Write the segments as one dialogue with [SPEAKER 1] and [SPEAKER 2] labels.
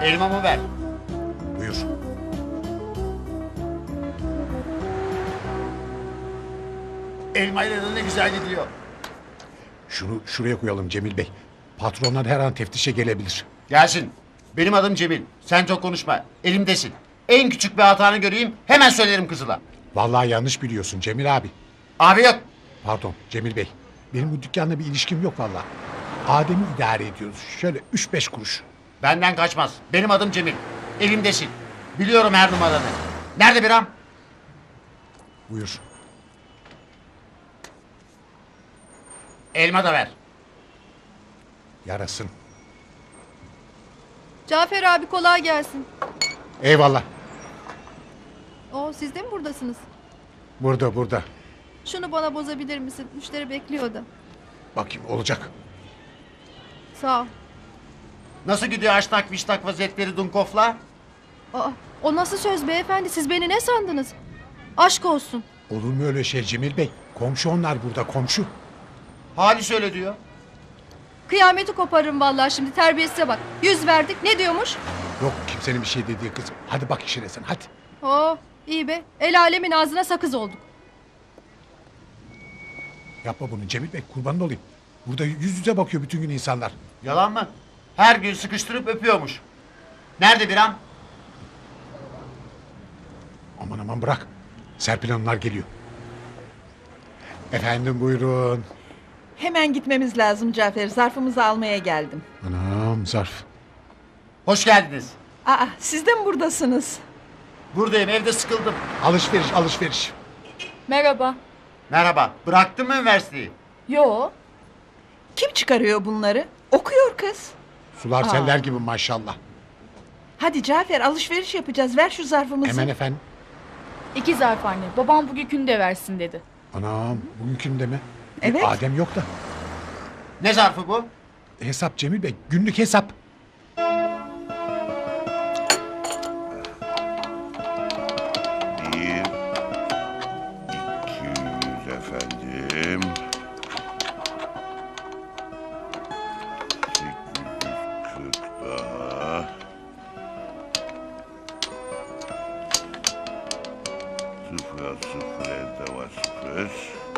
[SPEAKER 1] Elmamı ver.
[SPEAKER 2] Buyur.
[SPEAKER 1] Elmayla da ne güzel gidiyor.
[SPEAKER 2] Şunu şuraya koyalım Cemil Bey. Patronlar her an teftişe gelebilir.
[SPEAKER 1] Gelsin. Benim adım Cemil. Sen çok konuşma. Elimdesin. En küçük bir hatanı göreyim hemen söylerim Kızıl'a.
[SPEAKER 2] Vallahi yanlış biliyorsun Cemil abi.
[SPEAKER 1] Abi yok.
[SPEAKER 2] Pardon Cemil Bey. Benim bu dükkanla bir ilişkim yok vallahi. Adem'i idare ediyoruz. Şöyle 3-5 kuruş.
[SPEAKER 1] Benden kaçmaz. Benim adım Cemil. Elimdesin. Biliyorum her numaranı. Nerede biram?
[SPEAKER 2] Buyur.
[SPEAKER 1] Elma da ver.
[SPEAKER 2] Yarasın.
[SPEAKER 3] Cafer abi kolay gelsin.
[SPEAKER 2] Eyvallah.
[SPEAKER 3] Siz de mi buradasınız?
[SPEAKER 2] Burada.
[SPEAKER 3] Şunu bana bozabilir misin? Müşteri bekliyor da.
[SPEAKER 2] Bakayım olacak.
[SPEAKER 3] Sağ ol.
[SPEAKER 1] Nasıl gidiyor aştak viştak vaziyetleri Dunkov'la?
[SPEAKER 3] O nasıl söz beyefendi? Siz beni ne sandınız? Aşk olsun.
[SPEAKER 2] Olur mu öyle şey Cemil Bey? Komşu onlar burada komşu.
[SPEAKER 1] Halis öyle diyor.
[SPEAKER 3] Kıyameti koparırım vallahi şimdi, terbiyesize bak. 100 verdik, ne diyormuş?
[SPEAKER 2] Yok kimsenin bir şey dediği kızım. Hadi bak işine sen hadi.
[SPEAKER 3] İyi be. El alemin ağzına sakız olduk.
[SPEAKER 2] Yapma bunu Cemil Bey kurbanın olayım. Burada yüz yüze bakıyor bütün gün insanlar.
[SPEAKER 1] Yalan mı? Her gün sıkıştırıp öpüyormuş. Nerede biram?
[SPEAKER 2] Aman bırak. Serpil Hanımlar geliyor. Efendim buyurun.
[SPEAKER 4] Hemen gitmemiz lazım Cafer. Zarfımızı almaya geldim.
[SPEAKER 2] Anam zarf.
[SPEAKER 1] Hoş geldiniz.
[SPEAKER 4] Siz de mi buradasınız?
[SPEAKER 1] Buradayım, evde sıkıldım.
[SPEAKER 2] Alışveriş.
[SPEAKER 5] Merhaba.
[SPEAKER 1] Merhaba. Bıraktın mı üniversiteyi?
[SPEAKER 5] Yo.
[SPEAKER 4] Kim çıkarıyor bunları? Okuyor kız.
[SPEAKER 2] Sular seller gibi maşallah.
[SPEAKER 4] Hadi Cafer, alışveriş yapacağız. Ver şu zarfımızı.
[SPEAKER 2] Hemen efendim.
[SPEAKER 5] 2 zarf anne. Babam bugünkünü de versin dedi.
[SPEAKER 2] Anam bugünkü de mi?
[SPEAKER 4] Evet.
[SPEAKER 2] Adem yok da.
[SPEAKER 1] Ne zarfı bu?
[SPEAKER 2] Hesap Cemil Bey günlük hesap.
[SPEAKER 6] Bir, 200 efendim. 840 daha. Sıfıra sıfır elde var sıfır.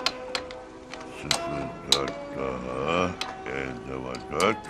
[SPEAKER 6] 04 daha. Elde var 4.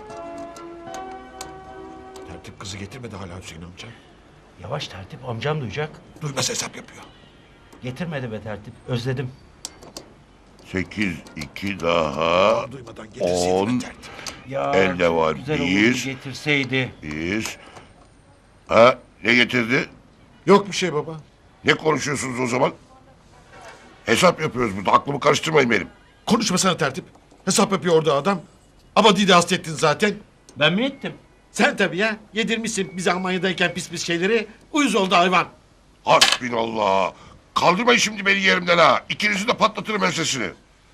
[SPEAKER 2] Tertip kızı getirmedi hala Hüseyin amca.
[SPEAKER 7] Yavaş tertip, amcam duyacak.
[SPEAKER 2] Duymaz hesap yapıyor.
[SPEAKER 7] Getirmedi be tertip, özledim.
[SPEAKER 6] 8 2 daha.
[SPEAKER 2] Duymadan getirsin
[SPEAKER 6] 10.
[SPEAKER 2] tertip.
[SPEAKER 7] Ya
[SPEAKER 6] Elde
[SPEAKER 7] çok
[SPEAKER 6] var
[SPEAKER 7] güzel
[SPEAKER 6] bir.
[SPEAKER 7] olurdu getirseydi.
[SPEAKER 6] Biz. Ha, ne getirdi?
[SPEAKER 2] Yok bir şey baba.
[SPEAKER 6] Ne konuşuyorsunuz o zaman? Hesap yapıyoruz burada. Aklımı karıştırmayın benim.
[SPEAKER 8] Konuşmasana tertip. Hesap yapıyor orada adam. Abadi'yi de hasta ettin zaten.
[SPEAKER 7] Ben mi ettim?
[SPEAKER 8] Sen tabii ya. Yedirmişsin bize Almanya'dayken pis şeyleri. Uyuz oldu hayvan.
[SPEAKER 6] Hasbinallah. Kaldırmayın şimdi beni yerimden ha. İkinizi de patlatırım ensesini.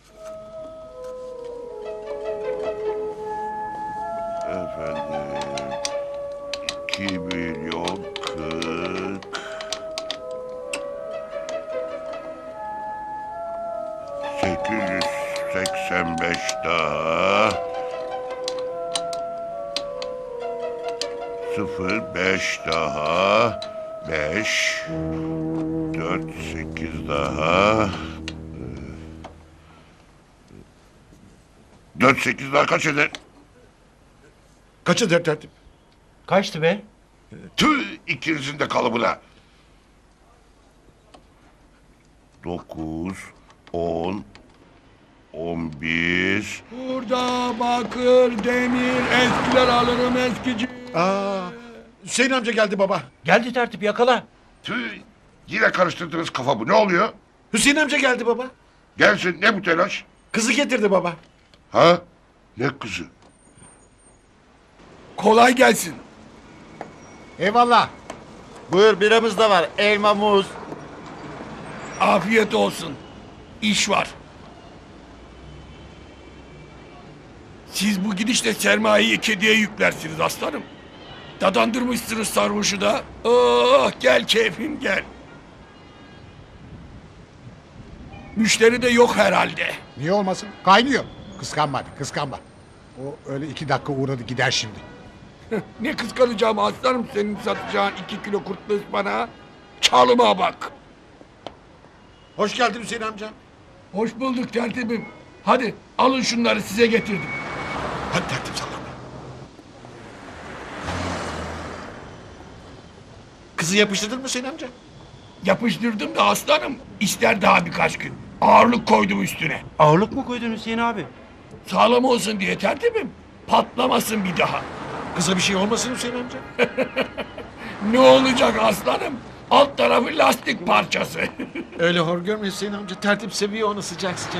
[SPEAKER 6] Efendim. 2 milyon 40. 885 daha. 05 daha. 5. 4, 8 daha. 4, 8 daha kaç eder?
[SPEAKER 8] Kaç eder tertip?
[SPEAKER 7] Kaçtı be?
[SPEAKER 6] Tüh ikinizin de kalıbına. 9, 10, 11.
[SPEAKER 9] Burada bakır, demir, eskiler alırım eskici.
[SPEAKER 8] Hüseyin amca geldi baba.
[SPEAKER 7] Geldi tertip, yakala.
[SPEAKER 6] Tüh yine karıştırdınız kafamı. Ne oluyor?
[SPEAKER 8] Hüseyin amca geldi baba.
[SPEAKER 6] Gelsin ne bu telaş?
[SPEAKER 8] Kızı getirdi baba.
[SPEAKER 6] Ha? Ne kızı?
[SPEAKER 9] Kolay gelsin.
[SPEAKER 2] Eyvallah.
[SPEAKER 1] Buyur biramız da var. Elma, muz.
[SPEAKER 9] Afiyet olsun. İş var. Siz bu gidişle sermayeyi kediye yüklersiniz aslanım. Dadandırmışsınız sarhoşu da. Oh gel keyfim gel. Müşteri de yok herhalde.
[SPEAKER 2] Niye olmasın? Kaynıyor. Kıskanma hadi kıskanma. O öyle 2 dakika uğradı gider şimdi.
[SPEAKER 9] Ne kıskanacağım aslanım senin satacağın 2 kilo kurtlu ıspanağı. Çalıma bak.
[SPEAKER 8] Hoş geldin Hüseyin amca.
[SPEAKER 9] Hoş bulduk tertibim. Hadi alın şunları size getirdim.
[SPEAKER 8] Hadi tertip sallama. Kızı yapıştırdın mı Hüseyin amca?
[SPEAKER 9] Yapıştırdım da aslanım. İster daha birkaç gün. Ağırlık koydum üstüne.
[SPEAKER 7] Ağırlık mı koydun Hüseyin abi?
[SPEAKER 9] Sağlam olsun diye tertibim. Patlamasın bir daha.
[SPEAKER 8] Kıza bir şey olmasın Hüseyin amca.
[SPEAKER 9] Ne olacak aslanım? Alt tarafı lastik parçası.
[SPEAKER 8] Öyle hor görme Hüseyin amca. Tertip seviyor onu sıcak sıcak.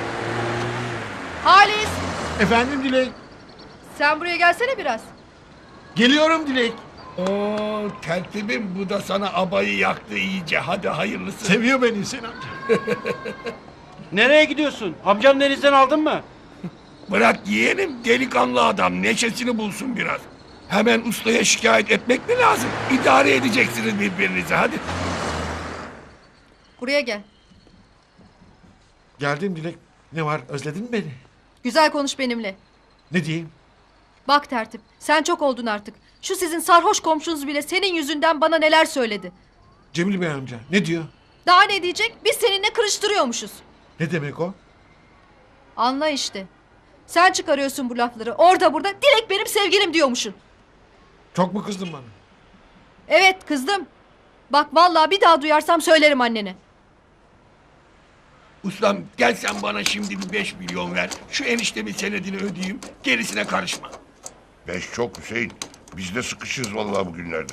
[SPEAKER 3] Halis
[SPEAKER 8] Efendim Dilek.
[SPEAKER 3] sen buraya gelsene biraz.
[SPEAKER 8] Geliyorum Dilek.
[SPEAKER 9] Oo tertibim bu da sana abayı yaktı iyice. Hadi hayırlısı.
[SPEAKER 8] Seviyor beni Hüseyin amca.
[SPEAKER 7] Nereye gidiyorsun? Amcam denizden aldın mı?
[SPEAKER 9] Bırak yeğenim delikanlı adam neşesini bulsun biraz. Hemen ustaya şikayet etmek mi lazım? İdare edeceksiniz birbirinizi hadi.
[SPEAKER 3] Buraya gel.
[SPEAKER 8] Geldim Dilek. Ne var özledin mi beni?
[SPEAKER 3] Güzel konuş benimle.
[SPEAKER 8] Ne diyeyim?
[SPEAKER 3] Bak tertip sen çok oldun artık. Şu sizin sarhoş komşunuz bile senin yüzünden bana neler söyledi.
[SPEAKER 8] Cemil Bey amca ne diyor?
[SPEAKER 3] Daha ne diyecek? Biz seninle kırıştırıyormuşuz.
[SPEAKER 8] Ne demek o?
[SPEAKER 3] Anla işte. Sen çıkarıyorsun bu lafları. Orada burada Dilek benim sevgilim diyormuşsun.
[SPEAKER 8] Çok mu kızdın bana?
[SPEAKER 3] Evet kızdım. Bak vallahi bir daha duyarsam söylerim annene.
[SPEAKER 9] Ustam gel sen bana şimdi bir 5 milyon ver. Şu eniştemin senedini ödeyeyim. Gerisine karışma.
[SPEAKER 6] 5 çok Hüseyin. Biz de sıkışırız vallahi bugünlerde.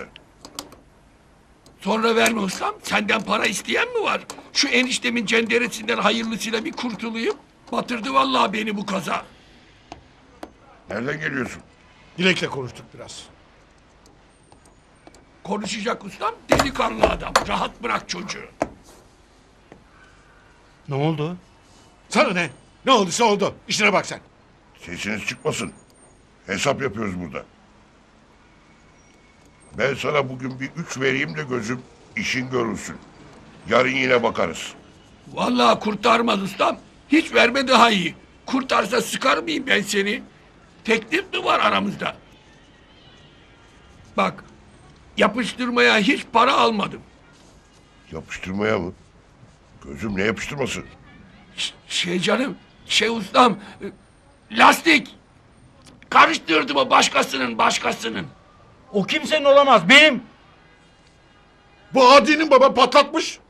[SPEAKER 9] Sonra verme ustam. Senden para isteyen mi var? Şu eniştemin cenderesinden hayırlısıyla bir kurtulayım. Batırdı vallahi beni bu kaza.
[SPEAKER 6] Nereden geliyorsun?
[SPEAKER 2] Dilek'le konuştuk biraz.
[SPEAKER 9] Konuşacak ustam delikanlı adam. Rahat bırak çocuğu.
[SPEAKER 7] Ne oldu?
[SPEAKER 2] Sana ne? Ne olduysa oldu. İşine bak sen.
[SPEAKER 6] Sesiniz çıkmasın. Hesap yapıyoruz burada. Ben sana bugün bir 3 vereyim de gözüm işin görülsün. Yarın yine bakarız.
[SPEAKER 9] Vallahi kurtarmaz ustam. Hiç verme daha iyi. Kurtarsa sıkar mıyım ben seni? Teklif mi var aramızda? Bak, yapıştırmaya hiç para almadım.
[SPEAKER 6] Yapıştırmaya mı? Gözüm ne yapıştırması?
[SPEAKER 9] Şey canım, şey ustam, lastik. Karıştırdım o başkasının.
[SPEAKER 7] O kimsenin olamaz. Benim.
[SPEAKER 8] Bu adinin baba patlatmış.